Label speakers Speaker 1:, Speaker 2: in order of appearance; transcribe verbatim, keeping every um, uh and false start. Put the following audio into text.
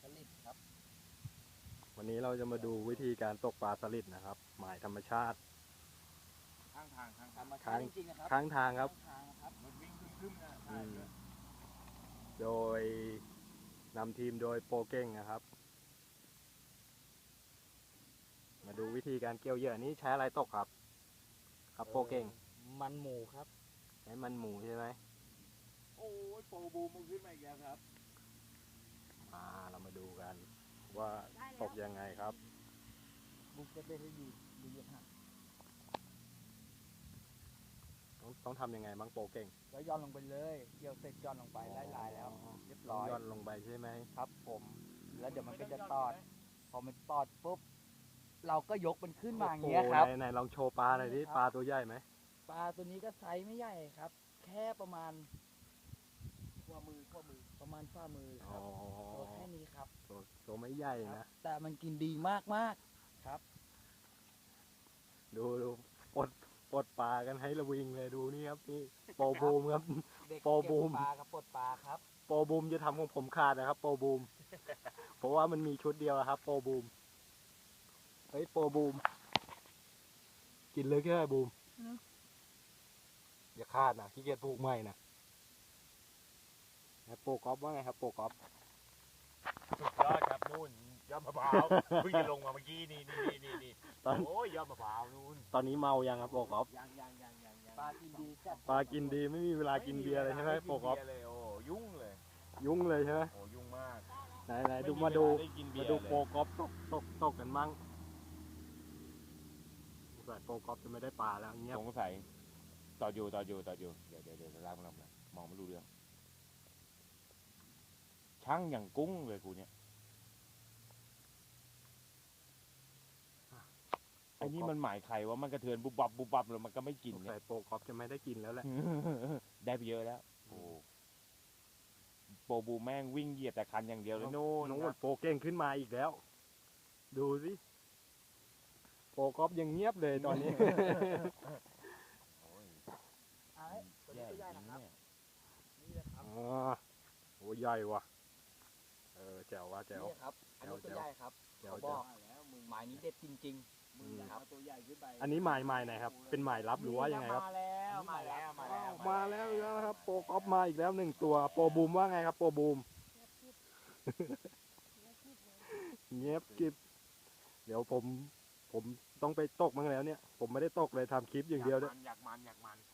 Speaker 1: ลิดครับ
Speaker 2: วันนี้เราจะมาดูวิธีการตกปลาสลิดนะครับหมายธรรมชาติ
Speaker 3: ข้างทางข้าง
Speaker 1: ธร
Speaker 3: ทาง
Speaker 1: รมชาติจริงๆนะครับ
Speaker 2: ข้างทางครับ
Speaker 1: ข้างทางครับ
Speaker 3: รถวิ่งคึ่มๆนะ
Speaker 2: อื
Speaker 3: ใช่
Speaker 2: มโดยนำทีมโดยโปรเก้งนะครับ มาดูวิธีการเกี่ยวเหยื่อนี้ใช้อะไรตกครับ ครับโปรเก้ง
Speaker 1: มันหมูครับ
Speaker 2: ใช้มันหมูใช่ไหม
Speaker 3: โอ้ยโปรบูมมันขึ้นมาอีกแล้วครับ
Speaker 2: อ่าเรามาดูกัน ว่าตกยังไงครับ
Speaker 1: บุกจะเป็นให้ดีดีเยอะฮะ
Speaker 2: ต้องต้องทำยังไงบ้างโปรเก้ง
Speaker 1: แล้วย่อนลงไปเลยเกี่ยวเสร็จย่อนลงไปไล่ลายแล้ว เรียบร้อย
Speaker 2: ย่อนลงไปใช่ไหม
Speaker 1: ครับผม แล้วเดี๋ยวมันก็จะตอด พอมันตอดปุ๊บเราก็ยกมันขึ้นมาอย่างเงี้ยครับ
Speaker 2: โอ้โหไหนไหนลองโชว์ปลาหน่อยดิ
Speaker 1: นี่ครับ
Speaker 2: ปลาตัวใหญ่ไหม
Speaker 1: ปลาตัวนี้ก็ไซส์ไม่ใหญ่ครับ แค่ประมาณ
Speaker 3: ขั้วมือขั้วมือ
Speaker 1: ประมาณฝ่ามือค
Speaker 2: อ๋
Speaker 1: รั
Speaker 2: อบ
Speaker 1: ตัวแค่นี้ครับ
Speaker 2: ตัวตัวไม่ใหญ่
Speaker 1: ครับ
Speaker 2: นะ
Speaker 1: แต่มันกินดีมากมากๆครับ
Speaker 2: ดูดูปลดปลดปลากันให้ระวิงเลยดูนี่ครับนี่โปรบูมครับ
Speaker 1: เด็ก
Speaker 2: โปรบูม
Speaker 1: เก็บปลากับปลดปลาครับ
Speaker 2: โปรบูมจะทำของผมขาดนะครับ โปรบูม เพราะว่ามันมีชุดเดียวครับ โปรบูมเฮ้ยโปรบูม กินเลยแค่บูม
Speaker 1: อืม
Speaker 2: อย่าคาดนะขี้เกียจปลูกใหม่นะโปรกอฟว่าไงครับ โปรกอฟ
Speaker 3: สุดยอดครับนู่นยอดมะพร้าวเพิ่งจะลงมาเมื่อกี้นี่นี่นี่นี่
Speaker 2: ตอน
Speaker 3: โอ้ยยอดมะพร้าวนู่น
Speaker 2: ตอนนี้เมายังครับโปรกอฟ
Speaker 3: ยังยังยังยังยัง
Speaker 1: ปลากินดีจัด
Speaker 2: ปลากินดีไม่มีเวลากินเบียร์เลยใช่ไหมโปรกอฟ
Speaker 3: ไม่มีเวลาได้กินเบียร์เลยโอ้ยุ่งเลย
Speaker 2: ยุ่งเลยใช่ไหม
Speaker 3: โอ้ยุ่งมาก
Speaker 2: ไหนไหนดู
Speaker 3: ไเว
Speaker 2: มา
Speaker 3: ล
Speaker 2: ดู
Speaker 3: ได้กินเบี
Speaker 2: มาย
Speaker 3: ร์
Speaker 2: ดู
Speaker 3: เลย
Speaker 2: โปรกอฟตกตกตกกันมั่งสงสัยโปรกอฟจะไม่ได้ปลาแล้วเงียบ
Speaker 3: สงสัยต่ออยู่ต่ออยู่ต่ออยู่เดี๋ยวเดี๋ยวเดี๋ยวล้างล้างล้างมองไม่รู้เรื่องช่างอย่างกุ้งเลยกูเนี่ยไอ้นี่มันหมายใครว่ามันกระเทือนบุบบับบุบบับแล้วมันก็ไม่กิน
Speaker 2: สง
Speaker 3: เนี่
Speaker 2: สั
Speaker 3: ย
Speaker 2: ยโปรกอฟจะไม่ได้กินแล้วแหละ
Speaker 3: ได้ไปเยอะแล้ว โอ้โปรบูแม่งวิ่งเหยียบแต่คันอย่างเดียวเลยโน่น
Speaker 2: น้อง
Speaker 3: ค
Speaker 2: หม
Speaker 3: รับ
Speaker 2: ดโปรเก่งขึ้นมาอีกแล้ว ดูสิโปรกอฟยังเงียบเลยตอนนี้
Speaker 3: โอ้ย
Speaker 1: เอาให้ตัวนี้
Speaker 3: แย่
Speaker 1: ตัว
Speaker 3: จ
Speaker 1: ใหญ่
Speaker 3: ริง
Speaker 1: นะครับ
Speaker 3: เนี่ย
Speaker 1: นี่เลยครับ
Speaker 2: อ๋อโหใหญ่ว่ะ เออแจ๋วว่ะแจ๋ว
Speaker 1: นี่ครับ อันนี้ตัวใหญ่ครับ
Speaker 2: แจ๋ว
Speaker 1: เขาบ
Speaker 2: แจ๋ว
Speaker 1: อกหมายนี้เด็ดจริง
Speaker 2: อืม
Speaker 1: ๆครับ
Speaker 3: ตัวใหญ่ขึ้นไป
Speaker 2: อันนี้หมายหมายไหนครับ เป็นหมายลับหรือว่ายังไงครับ
Speaker 1: มาแล้วมาแล้ว
Speaker 3: มาแล้ว
Speaker 2: มาแล้วอีกแล้วนะครับ โปรกอฟมาอีกแล้วหนึ่งตัว โปรบูมว่าไงครับ โปรบูม เงียบกริบเดี๋ยวผม ผมต้องไปตกมั้งแล้วเนี่ย ผมไม่ได้ตกเลยทำคลิปอย่างเดียวเนี่ย
Speaker 3: อยากมันอยากมันอยากมัน